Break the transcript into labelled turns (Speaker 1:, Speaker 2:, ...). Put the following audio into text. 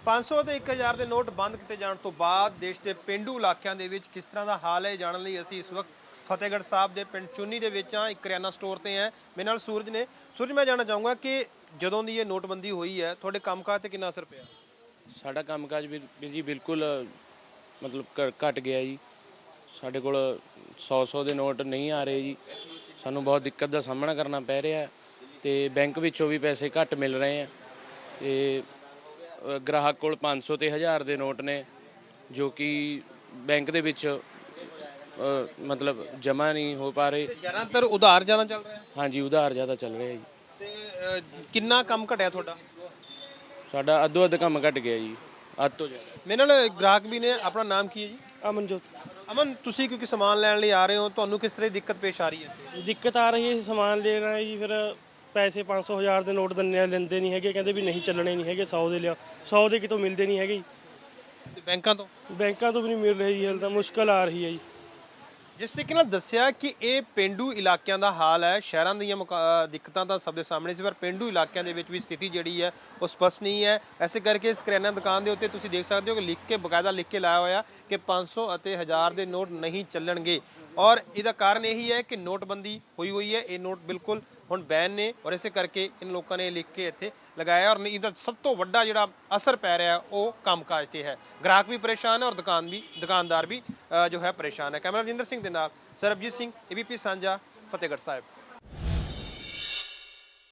Speaker 1: 500 ਤੇ 1000 ਦੇ ਨੋਟ ਬੰਦ ਕੀਤੇ ਜਾਣ ਤੋਂ ਬਾਅਦ ਦੇਸ਼ ਦੇ ਪਿੰਡੂ ਇਲਾਕਿਆਂ ਦੇ ਵਿੱਚ ਕਿਸ ਤਰ੍ਹਾਂ ਦਾ ਹਾਲ ਹੈ ਜਾਣਨ ਲਈ ਅਸੀਂ ਇਸ ਵਕਤ ਫਤਿਹਗੜ੍ਹ ਸਾਹਿਬ ਦੇ ਪਿੰਡ ਚੁੰਨੀ ਦੇ ਵਿੱਚ ਇੱਕ ਕਰਿਆਨਾ ਸਟੋਰ ਤੇ ਹੈ। ਮੇਰੇ ਨਾਲ ਸੂਰਜ ਨੇ। ਸੂਰਜ, ਮੈਂ ਜਾਣਨਾ ਚਾਹੂੰਗਾ ਕਿ ਜਦੋਂ ਦੀ ਇਹ ਨੋਟਬੰਦੀ ਹੋਈ ਹੈ ਤੁਹਾਡੇ ਕੰਮਕਾਜ ਤੇ ਕਿੰਨਾ ਅਸਰ ਪਿਆ?
Speaker 2: ਸਾਡਾ ਕੰਮਕਾਜ ਵੀਰ ਜੀ ਬਿਲਕੁਲ ਮਤਲਬ ਘਟ ਗਿਆ ਜੀ। ਸਾਡੇ ਕੋਲ 100 ਦੇ ਨੋਟ ਨਹੀਂ ਆ ਰਹੇ ਜੀ। ਸਾਨੂੰ ਬਹੁਤ ਦਿੱਕਤ ਦਾ ਸਾਹਮਣਾ ਕਰਨਾ ਪੈ ਰਿਹਾ ਤੇ ਬੈਂਕ ਵਿੱਚੋਂ ਵੀ ਪੈਸੇ ਘੱਟ ਮਿਲ ਰਹੇ ਆ ਤੇ ਗ੍ਰਾਹਕ ਕੋਲ 500 ਤੇ 1000 ਦੇ ਨੋਟ ਨੇ ਜੋ ਕਿ ਬੈਂਕ ਦੇ ਵਿੱਚ ਮਤਲਬ ਜਮ੍ਹਾਂ ਨਹੀਂ ਹੋ ਪਾ ਰਹੇ।
Speaker 1: ਜ਼ਿਆਦਾਤਰ ਉਧਾਰ ਜ਼ਿਆਦਾ ਚੱਲ ਰਿਹਾ?
Speaker 2: ਹਾਂਜੀ, ਉਧਾਰ ਜ਼ਿਆਦਾ ਚੱਲ ਰਿਹਾ ਜੀ।
Speaker 1: ਤੇ ਕਿੰਨਾ ਕੰਮ ਘਟਿਆ ਤੁਹਾਡਾ?
Speaker 2: ਸਾਡਾ ਅੱਧੋ ਅੱਧ ਕੰਮ ਘਟ ਗਿਆ ਜੀ, ਅੱਧ ਤੋਂ ਜ਼ਿਆਦਾ।
Speaker 1: ਮੇਰੇ ਨਾਲ ਗ੍ਰਾਹਕ ਵੀ ਨੇ। ਆਪਣਾ ਨਾਮ ਕੀ ਹੈ ਜੀ?
Speaker 3: ਅਮਨਜੋਤ।
Speaker 1: ਅਮਨ, ਤੁਸੀਂ ਕਿਉਂਕਿ ਸਮਾਨ ਲੈਣ ਲਈ ਆ ਰਹੇ ਹੋ, ਤੁਹਾਨੂੰ ਕਿਸ ਤਰ੍ਹਾਂ ਦੀ ਦਿੱਕਤ ਪੇਸ਼ ਆ ਰਹੀ ਹੈ?
Speaker 3: ਦਿੱਕਤ ਆ ਰਹੀ ਹੈ, ਸਮਾਨ ਲੈਣਾ ਹੈ ਜੀ, ਫਿਰ ਪੈਸੇ 500 1000 ਦੇ ਨੋਟ ਲੈਂਦੇ ਨਹੀਂ ਹੈਗੇ, ਕਹਿੰਦੇ ਵੀ ਨਹੀਂ ਚੱਲਣੇ ਨਹੀਂ ਹੈਗੇ, 100 ਦੇ ਲਿਆ, 100 ਦੇ ਕਿਤੋਂ ਮਿਲਦੇ ਨਹੀਂ ਹੈਗੇ।
Speaker 1: ਤੇ ਬੈਂਕਾਂ ਤੋਂ
Speaker 3: ਵੀ ਨਹੀਂ ਮਿਲ ਰਹੀ ਜੀ, ਹਾਲੇ ਤਾਂ ਮੁਸ਼ਕਲ ਆ ਰਹੀ ਹੈ ਜੀ।
Speaker 1: ਜਿਸ ਤਰੀਕੇ ਨਾਲ ਦੱਸਿਆ ਕਿ ਇਹ ਪਿੰਡੂ ਇਲਾਕਿਆਂ ਦਾ ਹਾਲ ਹੈ। ਸ਼ਹਿਰਾਂ ਦੀਆਂ ਦਿੱਕਤਾਂ ਤਾਂ ਸਭ ਦੇ ਸਾਹਮਣੇ ਸੀ, ਪਰ ਪਿੰਡੂ ਇਲਾਕਿਆਂ ਦੇ ਵਿੱਚ ਵੀ ਸਥਿਤੀ ਜਿਹੜੀ ਹੈ ਉਹ ਸਪਸ਼ਟ ਨਹੀਂ ਹੈ। ਐਸੇ ਕਰਕੇ ਇਸ ਕਰਿਆਨਾ ਦੁਕਾਨ ਦੇ ਉੱਤੇ ਤੁਸੀਂ ਦੇਖ ਸਕਦੇ ਹੋ ਕਿ ਬਕਾਇਦਾ ਲਿਖ ਕੇ ਲਾਇਆ ਹੋਇਆ ਕਿ 500 ਅਤੇ 1000 ਦੇ ਨੋਟ ਨਹੀਂ ਚੱਲਣਗੇ। ਔਰ ਇਹਦਾ ਕਾਰਨ ਇਹੀ ਹੈ ਕਿ ਨੋਟਬੰਦੀ ਹੋਈ ਹੈ। ਇਹ ਨੋਟ ਬਿਲਕੁਲ ਹੁਣ ਬੈਨ ਨੇ ਔਰ ਇਸੇ ਕਰਕੇ ਇਨ ਲੋਕਾਂ ਨੇ ਲਿਖ ਕੇ ਇੱਥੇ ਲਗਾਇਆ। ਔਰ ਇਹਦਾ ਸਭ ਤੋਂ ਵੱਡਾ ਜਿਹੜਾ ਅਸਰ ਪੈ ਰਿਹਾ ਉਹ ਕੰਮਕਾਜ ਤੇ ਹੈ। ਗ੍ਰਾਹਕ ਵੀ ਪਰੇਸ਼ਾਨ ਹੈ ਔਰ ਦੁਕਾਨਦਾਰ ਵੀ ਜੋ ਹੈ ਪਰੇਸ਼ਾਨ ਹੈ। ਕੈਮਰਾ ਰਜਿੰਦਰ ਸਿੰਘ ਦੇ ਨਾਲ ਸਰਬਜੀਤ ਸਿੰਘ, ABP ਸਾਂਝਾ, ਫਤਿਹਗੜ੍ਹ ਸਾਹਿਬ।